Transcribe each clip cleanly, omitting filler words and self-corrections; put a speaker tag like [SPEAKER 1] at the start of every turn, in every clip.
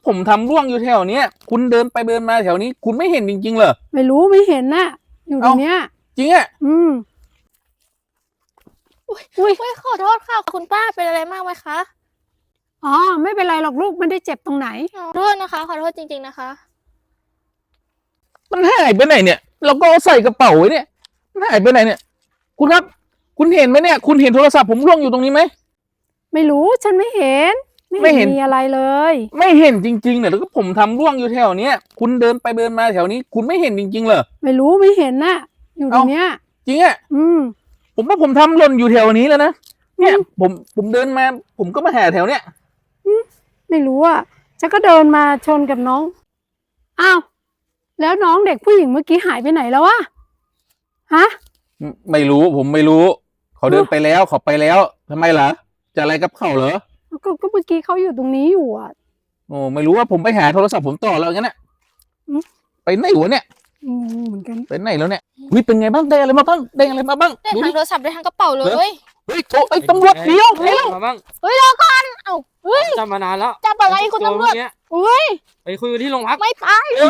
[SPEAKER 1] ผมทำร่วงอยู่แถวเนี้ยคุณเดินไปเดินมาแถวนี้คุณไม่เห็นจริงๆเหรอ
[SPEAKER 2] ไม่รู้ไม่เห็นน่ะอยู่ตรงเนี้ย
[SPEAKER 1] จริงอ่ะ
[SPEAKER 2] อุ้ย
[SPEAKER 3] ขอโทษค่ะคุณป้าเป็นอะไรมากไหมคะ
[SPEAKER 2] อ๋อไม่เป็นไรหรอกลูกไม่ได้เจ็บตรงไหน
[SPEAKER 3] ขอโทษนะคะขอโทษจริงๆนะคะ
[SPEAKER 1] มันหายไปไหนเนี่ยเราก็เอาใส่กระเป๋าไว้เนี่ยมันหายไปไหนเนี่ยคุณครับคุณเห็นไหมเนี่ยคุณเห็นโทรศัพท์ผมร่วงอยู่ตรงนี้ไหม
[SPEAKER 2] ไม่รู้ฉันไม่เห็น
[SPEAKER 1] ไม่เห็น
[SPEAKER 2] มีอะไรเลย
[SPEAKER 1] ไม่เห็นจริงๆเนี่ยแล้วก็ผมทำร่วงอยู่แถวเนี้ยคุณเดินไปเดินมาแถวนี้คุณไม่เห็นจริงๆเหรอ
[SPEAKER 2] ไม่รู้ไม่เห็นน่ะอยู่ตรงเนี้ย
[SPEAKER 1] จริงอ่ะผมว่าผมทำหล่นอยู่แถวนี้แล้วนะเนี่ยผมเดินมาผมก็มาหาแถวเนี้ย
[SPEAKER 2] ไม่รู้อ่ะฉันก็เดินมาชนกับน้องอ้าวแล้วน้องเด็กผู้หญิงเมื่อกี้หายไปไหนแล้ววะฮะ
[SPEAKER 1] ไม่รู้ผมไม่รู้เขาเดินไปแล้วเขาไปแล้วทำไมล่ะจะอะไรกับเขาเหรอ
[SPEAKER 2] ก็เมื่อกี้เขาอยู่ตรงนี้อยู่อ่ะ
[SPEAKER 1] โอ้ไม่รู้ว่าผมไปหาโทรศัพท์ผมต่อแล้วงั้นน่ะไปไหนวะเนี่ย
[SPEAKER 2] เหมือนกัน
[SPEAKER 1] ไปไหนแล้วเนี่ยวิเป็นไงบ้างได้อะไรมาบ้างได้อะไรมาบ้าง
[SPEAKER 3] ได้ทั้งโทรศัพท์ได้ทั้งกระเป๋าเลย
[SPEAKER 1] เฮ้ยตำรวจเดี๋ยว
[SPEAKER 4] มาบ้าง
[SPEAKER 3] เฮ้ยรอก่อนเอ้าเฮ้ย
[SPEAKER 4] จับมานานแล้ว
[SPEAKER 3] จับอะไรคุณตำรวจเฮ้ย
[SPEAKER 4] ไปคุยกันที่โรงพัก
[SPEAKER 3] ไม่ไป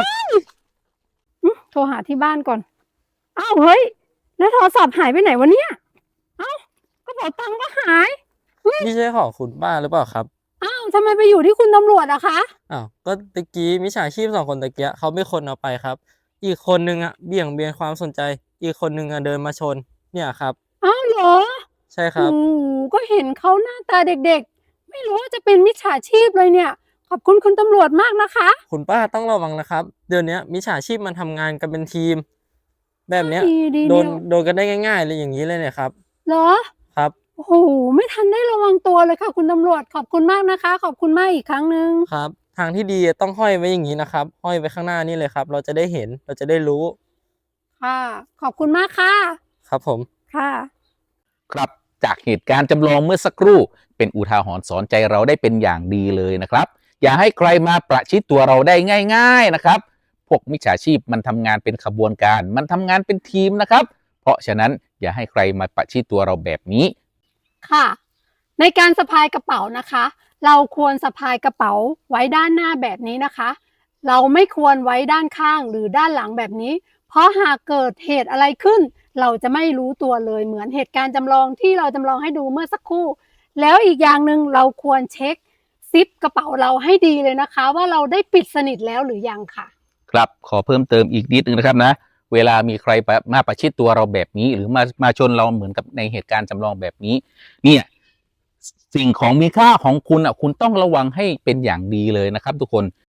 [SPEAKER 2] โทรหาที่บ้านก่อนอ้าวเฮ้ยแล้วโทรศัพท์หายไปไหนวะเนี่ยเอ้ากระเป๋าตังค์ก็หาย
[SPEAKER 4] นี่ใช่ของคุณป้าหรือเปล่าครับ
[SPEAKER 2] อ้าวทำไมไปอยู่ที่คุณตำรวจอะคะ
[SPEAKER 4] อ้าวก็ตะกี้มิจฉาชีพ2 คนตะกี้เขาไม่คนเอาไปครับอีกคนนึงเบี่ยงเบนความสนใจอีกคนนึงเดินมาชนเนี่ยครับ
[SPEAKER 2] อ้าวเหรอ
[SPEAKER 4] ใช่ครับ
[SPEAKER 2] ก็เห็นเขาหน้าตาเด็กๆไม่รู้ว่าจะเป็นมิจฉาชีพเลยเนี่ยขอบคุณคุณตำรวจมากนะคะ
[SPEAKER 4] คุณป้าต้องระวังนะครับเดี๋ยวนี้มิจฉาชีพมันทำงานกันเป็นทีมแบบเนี้ยโดนกันได้ง่ายๆเลยอย่างนี้เลยเนี่ยครับ
[SPEAKER 2] เหรอ
[SPEAKER 4] ครับ
[SPEAKER 2] โอ้โหไม่ทันได้ระวังตัวเลยค่ะคุณตำรวจขอบคุณมากนะคะขอบคุณมากอีกครั้งนึง
[SPEAKER 4] ครับทางที่ดีต้องห้อยไว้อย่างนี้นะครับห้อยไว้ข้างหน้านี่เลยครับเราจะได้เห็นเราจะได้รู้
[SPEAKER 2] ค่ะขอบคุณมากค่ะ
[SPEAKER 4] ครับผม
[SPEAKER 2] ค่ะ
[SPEAKER 1] ครับจากเหตุการณ์จำลองเมื่อสักครู่เป็นอุทาหรณ์สอนใจเราได้เป็นอย่างดีเลยนะครับอย่าให้ใครมาประชิดตัวเราได้ง่ายๆนะครับพวกมิจฉาชีพมันทำงานเป็นขบวนการมันทำงานเป็นทีมนะครับเพราะฉะนั้นอย่าให้ใครมาประชิดตัวเราแบบนี้
[SPEAKER 2] ค่ะในการสะพายกระเป๋านะคะเราควรสะพายกระเป๋าไว้ด้านหน้าแบบนี้นะคะเราไม่ควรไว้ด้านข้างหรือด้านหลังแบบนี้เพราะหากเกิดเหตุอะไรขึ้นเราจะไม่รู้ตัวเลยเหมือนเหตุการณ์จำลองที่เราจำลองให้ดูเมื่อสักครู่แล้วอีกอย่างหนึ่งเราควรเช็คซิปกระเป๋าเราให้ดีเลยนะคะว่าเราได้ปิดสนิทแล้วหรือยังค่ะ
[SPEAKER 1] ครับขอเพิ่มเติมอีกนิดนึงนะครับนะเวลามีใครมาประชิดตัวเราแบบนี้หรือมาชนเราเหมือนกับในเหตุการณ์จำลองแบบนี้เนี่ยสิ่งของมีค่าของคุณคุณต้องระวังให้เป็นอย่างดีเลยนะครับทุกคน